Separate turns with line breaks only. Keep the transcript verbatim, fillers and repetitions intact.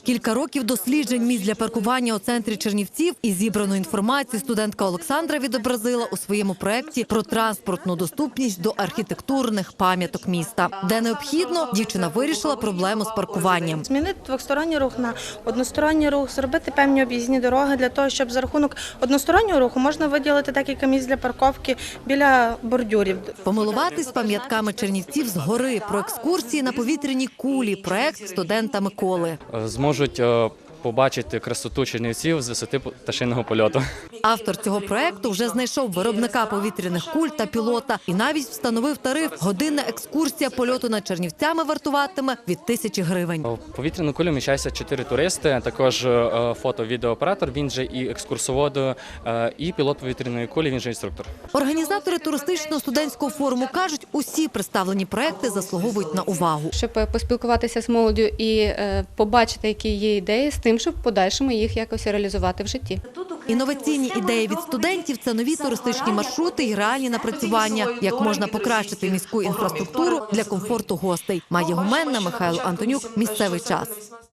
Кілька років досліджень місць для паркування у центрі Чернівців і зібрану інформацію студентка Олександра відобразила у своєму проєкті про транспортну доступність до архітектурних пам'яток міста. Де необхідно, дівчина вирішила проблему з паркуванням.
Змінити двосторонній рух на односторонній рух, зробити певні об'їзні дороги для того, щоб за рахунок одностороннього руху можна виділити декілька місць для парковки біля бордюрів.
Помилуватись пам'ятками Чернівців згори про екскурсії на повітряній кулі – проєкт студента Миколи.
Зможуть е, побачити красоту Чернівців з висоти пташиного польоту.
Автор цього проєкту вже знайшов виробника повітряних куль та пілота і навіть встановив тариф. Годинна екскурсія польоту над Чернівцями вартуватиме від тисячі гривень.
В повітряну кулю вміщаються чотири туристи, також е, фото-відеооператор, він же і екскурсовод, е, і пілот повітряної кулі, він же інструктор.
Організатори туристичного студентського форуму кажуть, усі представлені проєкти заслуговують на увагу.
Щоб поспілкуватися з молоддю і е, побачити, які є ідеї, з тим, щоб в подальшому їх якось реалізувати в житті.
Інноваційні ідеї від студентів – це нові туристичні маршрути і реальні напрацювання, як можна покращити міську інфраструктуру для комфорту гостей. Майя Гуменна, Михайло Антонюк. Місцевий час.